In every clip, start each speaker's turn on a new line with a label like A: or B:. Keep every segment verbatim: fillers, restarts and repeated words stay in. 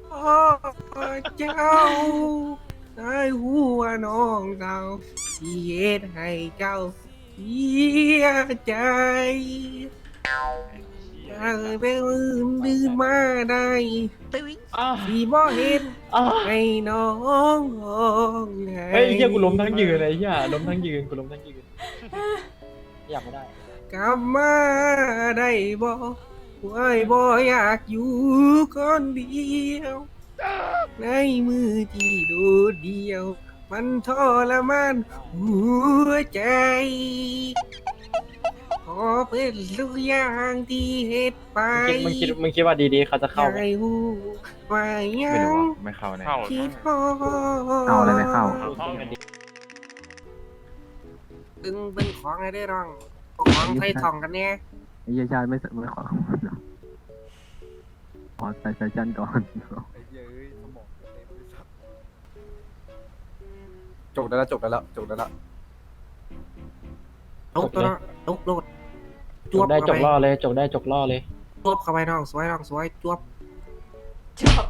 A: พ่อเจ้าได้หัวน้องเก่าที่เหตุให้เจ้าเสียใจอยากเป็นอื่นดื่นมาได้
B: อ้าว
A: สีบ่เห็น
B: อ้าว
A: ให้น้องร้องไห้
B: เฮ้ยไอ้เหี้ยกูล้มทั้งยืนเลยไอ้เหี้ยล้มทั้งยืนกูล้มทั้งยืนอยากไม่ได้
A: กลับมาได้บ่ว่าบ่อยากอยู่คนเดียวในมือที่โดดเดียว มันทรมานหัวใจ ขอเป็นทุกอย่างที่เฮ็ดไป
B: มึงคิดมึงคิดมึงคิดว่าดีๆเขาจะเข้าไหม
A: ให้หูว่ายั
C: ไม่รู้
A: ง
C: ว่าไม่เข้าแน่
D: เข้า
A: คิดฮอ
C: เอาอะไรไม่เข้า
B: เข้ากันดี
A: ตึงเป็นของอะไรได้ร่องของไทยทองกันแน่
C: ไอ้เหี้ยชาติไม่ไม่ขอขอใส่ใส่จันก่อน
E: จบได้แล้วจบได้แล้วจบได้แล้ว
A: ตกตัวเนาะตกโลด
B: จกได้จกล่อเลยจกได้จกล่อเลย
A: จวบเข้าไปน้องสวยน้องสวยจวบ
F: จบ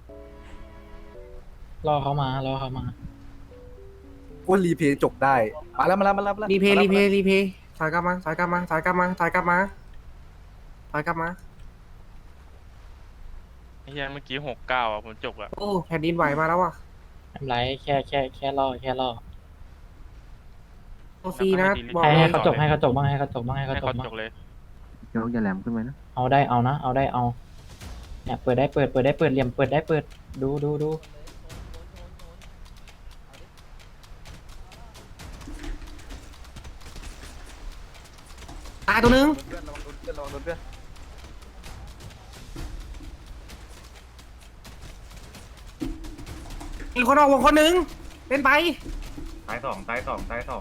B: ล่อเขามาล่อเขามา
E: กูรีเพย์จบได้มาแล้วมาแล้วมาแล้วมาแล้ว
A: รีเพย์รีเพย์รีเพย์ถอยกลับมาถอยกลับมาถอยกลับมาถอยกลับมาถอยกลับมา
D: ไอ้เหี้ยเมื่อกี้หกเก้าอ่ะผมจบอ่ะ
A: โอ้แผ่นดินไหวมาแล้วอ่ะ
B: ไม่เป็นไรแค่แค่แค่ล่อแค่ล่อ
A: โอฟรีนะบอก
B: ให้
A: เล
B: ให้
A: ย
B: เขาจกให้เขาจกบ้างให้เขาจกบ้างให้เขา
D: ให้
B: จก
D: เขา
B: บ้าง
D: จบเลย
C: ยกอย่าแหลมขึ้นไปนะ
B: เอาได้เอานะเอาได้เอาเนี่ยเปิดได้เปิดเปิดได้เปิดเหลี่ยมเปิดได้เปิดดูดูดู
A: ตายตัวหนึง
E: เพื่อนระวังโดนเพื่อนระวังโดนเพื่อน
A: มีคนออกวงคนหนึ่งเป็นไป
G: ซ้ายสองซ้ายสองซ้ายสอง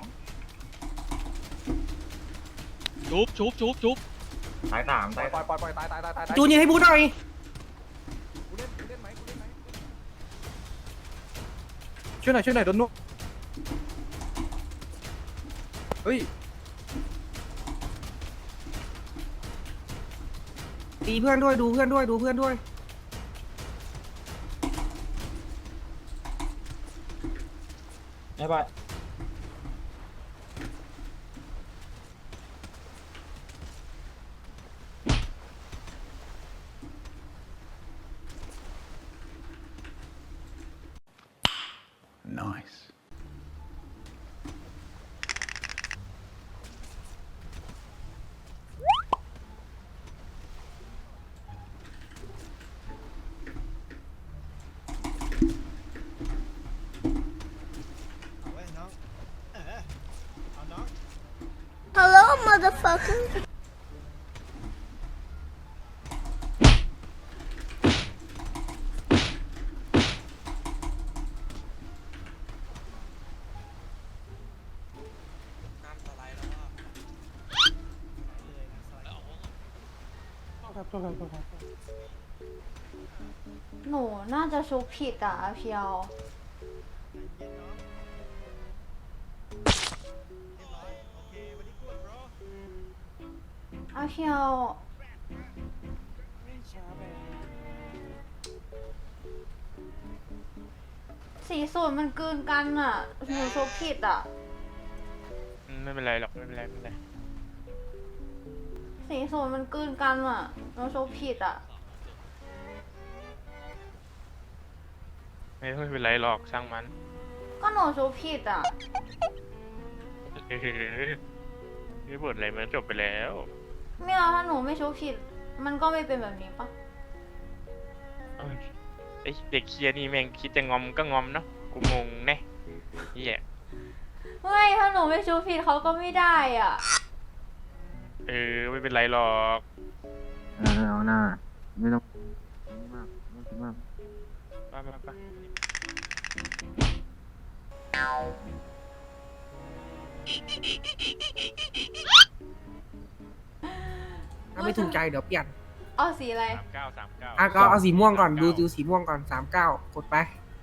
D: ชุบชุบชุบชุบ
G: ซ้ายสาม
E: ปล่
G: ซ้า
E: อย ยปล่อยปล่อยปล่อยตายตายตายตาย
A: จูนยิงให้บูหน่อย
E: กูเล่นกูเล่นไหมกูเล่นไหมช่วยหน่อยช่วยหน่อยโดนนุ๊กเฮ้ย
A: ตีเพื่อนด้วยดูเพื่อนด้วยดูเพื่อนด้วย
B: ไม่ไป
F: ฮัลโหล motherfucker หนูน่าจะชุบผิดอ่ะเพียวอาเพียวสีสูตรมันเกินกันอ่ะหนูชุบผิดอ่ะ
D: อืมไม่เป็นไรหรอกไม่เป็นไรไม่เป็นไร
F: สีสูตรมันเกินกันอ่ะหนูชุบผิดอ่ะ
D: ไม่ไม่เป็นไรหรอกช่างมัน
F: ก็หนูชุบผิดอ่ะ
D: เฮ้ยนี่บทอะไรมันจบไปแล้ว
F: ไม่เอาถ้าหนูไม่ชุบผิด มันก็ไม่เป็นแบบนี้ปะ
D: เอ้ยไอเด็กเคียนี่แม่งคิดจะงอมก็งอมเนาะกูงงแน่เหี้ย
F: ไม่ถ้าหนูไม่ชุบผิดเขาก็ไม่ได้อ่ะ
D: เออไม่เป็นไรหรอก
C: เออเอาหน้าไม่ต้องไม่มากไม่ต้องคิดมาก
D: ไปไปไป
A: ถ้าไม่ถูกใจเดี๋ยวเปลี่ยน
F: เอาสีอะไร
D: สามเก้าสามเก้า
A: อ่ะก็เอาสีม่วงก่อนดูดูสีม่วงก่อนสามเก้ากดไป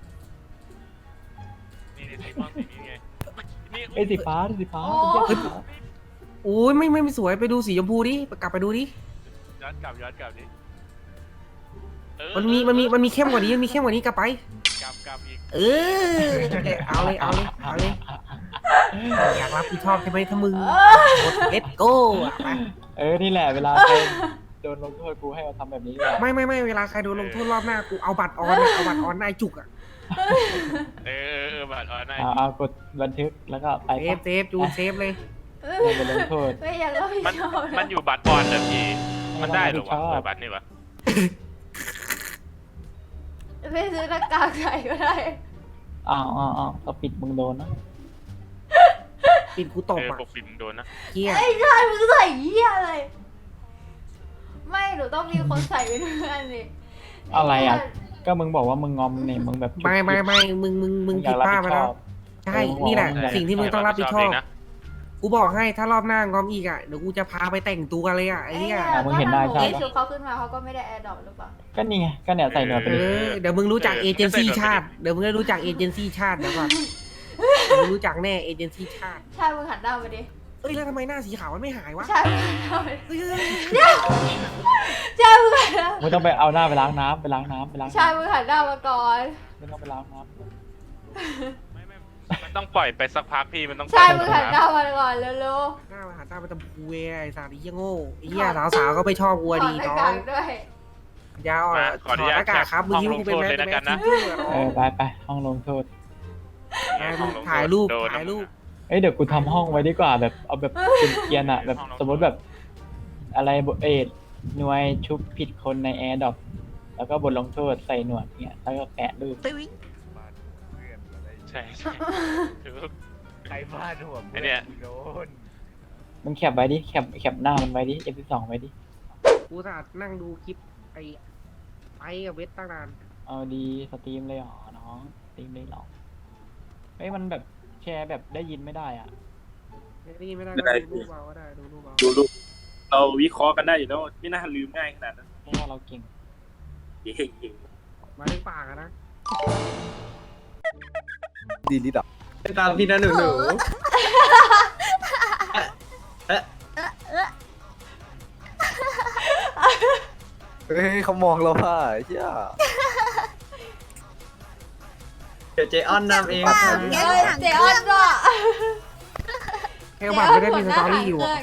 D: นี่นี่สีม่วงสีนี้ไงนี่
B: ไอ้ยสีฟ้าสีฟ้า
F: โอ้
B: สีฟ้า
A: โอ้ยไม่ไม่ไม่สวยไปดูสีชมพูดิกลับไปดูดิ
D: ย้อนกลับย้อนกลับดิเออ
A: มันมีมันมีมันมีเข้มกว่านี้มันมีเข้มกว่านี้กลับไป
D: กลับกลับอีก
A: เออเอาเลยเอาเลยเอาเลยอยากรับผิดชอบใช่ไหมถ้ามึงกดเลตโก้อะไป
B: เออนี่แหละเวลาใครโดนลงโทษกูให้มาทำแบบนี้แหละ
A: ไม่ไม่ไม่เวลาใครโดนลงโทษรอบหน้ากูเอาบัตรออนอะเอาบัตรออนนายจุกอะ
D: เออเออเออบัตรออนไลน์
B: เอาเอากดบันทึกแล้วก็ไป
A: เซฟเซฟจูนเซฟเลย
B: ไม่ไปลงโทษ
F: ไม่อยากรับผิด
D: มัน
F: ชอบ
D: มันอยู่บัตรออนเลยพี่มันได้เหรอวะเออบัตรนี่วะ
F: ไม่ซื้อหน้ากากใส่ก็ได้
B: อ้าวอ้าวอ้าวก็ปิดมึงโดนนะ
A: ปิดกูตบ
D: เออ
A: อะ
D: ปกปิดมึงโดนนะ
A: เฮีย
F: ไอ้ชายมึงใส่เหี้ยอะไรไม่หนูต้องมีคนใส่ไปด้วยกันนี่
B: อะไรอ่ะ ก็มึงบอกว่ามึงงอมเนี่ยมึงแบบจุก
A: ไม่ไม่ไม่มึงมึงมึง
B: อ
A: ผิ
B: ยา
A: ด
B: กรับ
A: พลาด
B: ผิ
A: ไป
B: ดช
A: แล้
B: อ
A: ว
B: บ
A: ใช่นี่แหละ
B: ใช่
A: สิ่งที่มึงต้องรับผิดชอบ
D: เงนะ
A: กูบอกให้ถ้ารอบหน้างอมอีกอะเดี๋ยวกูจะพาไปแต่งตัวเลยอะไอ้เหี้ย
B: อ่ะมึงเห็นได้ใช่ปะ
F: ไอ้ชุดเขาขึ้นมาเขาก็ไม่ได้แอร์ดรอปหรือเปล่า
B: ก็นี่ไงก็เนี่ยใส่หนวดไป
A: เอ
B: ดิ
A: อเดี๋ยวมึงรู้จักเอเจนซี่ชาติเดี๋ยวมึงได้รู้จักเอเจนซี่ชาติเดี๋ยวก่อนเดี๋ยวมึงรู้จักแน่เอเจนซี่ชาติ
F: ใช่มึงหันหน้าไปดิ
A: เอ้ยแล้วทำไมหน้าสีขาวมันไม่หายวะ
F: ใช่มึงหันหน้าไปดิ
A: เฮ้ยเฮ้ย
F: ใช่มึงหันหน้า
B: มึงต้องไปเอาหน้าไปล้างน้ำไปล้างน้ำไปล้าง
F: ใช่
B: น้ำ
F: มึงหันหน้ามาก่อน
B: ไม่ต้องไปล้างน้
D: ไม่ไม่มันต้องปล่อยไปสักพักพี่มันต้องปล่
F: ใช่
D: อย
F: มึง
D: ไป
F: หันหน้า
D: สักพัก
F: มาก่อนเร็ว
A: หน้ามาหาตาไปตะพูเว้ยไอ้สารไอ้เหี้ยโง่ไอ้เหี้ยสาวๆก็ไม่ชอบกู
F: ๆ
A: อะดี
F: ถอดห
A: น้
F: น้า
A: อก
F: าง กด้วย
A: ยาว
D: มา
A: อ่ะ
D: ขออนุญาต
A: ถดหน้ากากครับมึง
D: ห้อง
A: ยิ้ว
D: ลง
A: กูเป็น
D: โทษ
A: แม่
D: เลย
A: เป็น
D: แล้ว
A: แม่
D: กันนะ
A: ฟิวเจอร์
B: ำเออไปไปห้องลงโทษ
A: ถ่ายรูป
D: โดน
A: ถ่ายรูป
B: เอ้ยเดี๋ยวกูทำห้องไว้ดีกว่าแบบเอาแบบเป็นเกียร์อะแบบสมมติแบบ อะไรบทเอ็ดหน่วยชุบผิดคนในแอร์ดรอปแล้วก็บทลงโทษใส่หนวดเนี่ยแล้วก็แปะรูป
D: ใช่ใช่คือ
G: ใครพลาดหัว
D: ไอ้เนี่ย
G: โดน
B: มึงแคปไว้ดิแคปแคปหน้ามันไว้ดิ เอฟ สิบสอง ไว้ดิ
A: กูสาดนั่งดูคลิปไอ้ไอ้กับเวทตั้งนาน
B: เอาดีสตรีมเลยเหรอน้องสตรีมเลยเหรอเฮ้ยมันแบบแชร์แบบได้ยินไม่ได้อ่ะ
A: ไม่ได้ยินไม่ได้
H: ไม่
A: ก็
H: ได้
A: ดูรูปเอาก็ได้ดูรูปเอา
H: ดูรูปเราวิเคราะห์กันได้อยู่แล้วไม่น่าลืมง่ายขนาดนั้น
B: เพราะว่าเราเก่ง
H: เย้เย้
A: มาถึงปากอะนะ
E: ดีลิดอ่ะ
A: ตามพี่นะหนูหนู
E: เฮ้ยเขามองเราว่าเหี้ย
A: เดี๋ยวเจออนนำเอง
F: เอ้ยเจออนก็
A: เฮลบัตไม่ได้มีสตอรี่อยู่อะ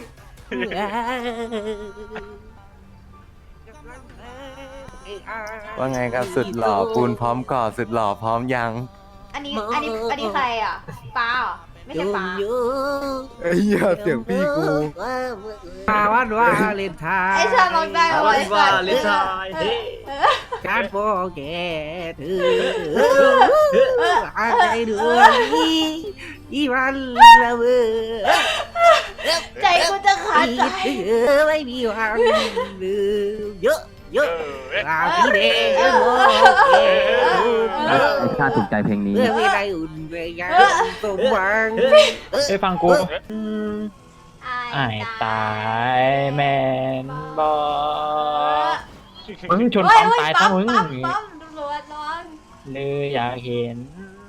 I: ว่าไงครับสุดหล่อปูนพร้อมก่อสุดหล่อพร้อมยัง
F: อันนี้อันนี้อันนี้ใครอ่ะป้าเหรอไม่ใช่ป้า
E: ไอ้เหี้ยเสียงพี่กู
A: มาวันว่าเลนไทน์
F: ไอ้ชาลองได้ไหม
A: ว่าเลนไทน์
F: เฮ้ย
A: การโปแกเธออะไรด้วยอีวันละเวอ
F: ใจกูจะขาดใจ
A: เธอไม่มีวันลืมเยอะเย
D: เอ
A: อะ
D: อเว้ย
A: ราพี่เด็กโมเก
C: ไอ้ชาติถูกใจเพลงนี้
A: เมื่อไม่ได้อุ่นเวยังสมหวัง
B: เอ้ยฟังกูไอ้ายตายแมนบอมึงชนความตายซะมึง
F: ปั๊มปั๊มตำรวจร้อน
B: เลยอยากเห็น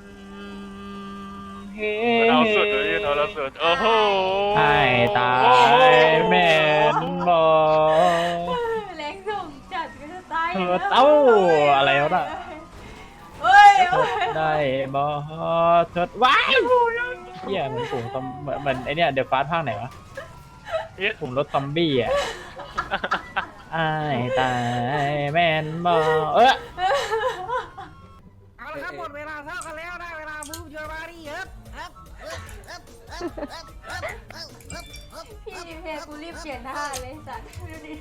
B: เห็
D: เอาสุดเลยเอาเราสุดโอ้โห
B: ไอ้ายตายแมนบอ
F: แรงส่งจัดก็จะตาย
B: เธอเต้าอะไรวะน่ะ
F: เฮ้ย
B: เธอได้บอเธอว้ายเหี้ยเหมือนฝูงซอมเหมือนเหมือนไอเนี้ยเดอะฟาสภาคไหนวะกลุ่มรถซอมบี้อ่ะไอ้ายตายแมนบอเออ
A: เอาละครับหมดเวลาเท่ากันแล้วได้เวลามูฟเยอะมาดิครับ
F: พี่ดิเพกูรีบเปลี่ยนท่าเลยสัตว์ดูดิ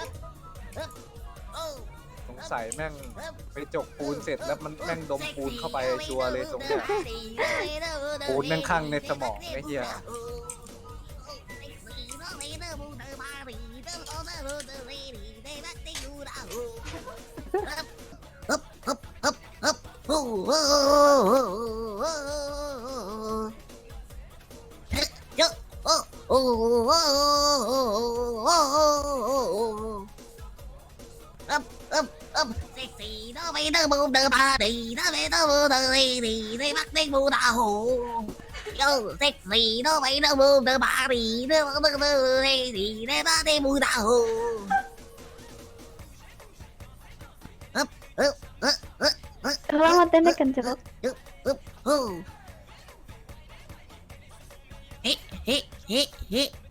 E: สงสัยแม่งไปจกปูนเสร็จแล้วมันแม่งดมปูนเข้าไปชัวร์เลยตรงเนี้ยปูนแม่งข้างในสมองไอ้เหี้ย
J: Up, เต้นด้วยกันจะ
K: เฮ้เฮ้เฮ้เฮ้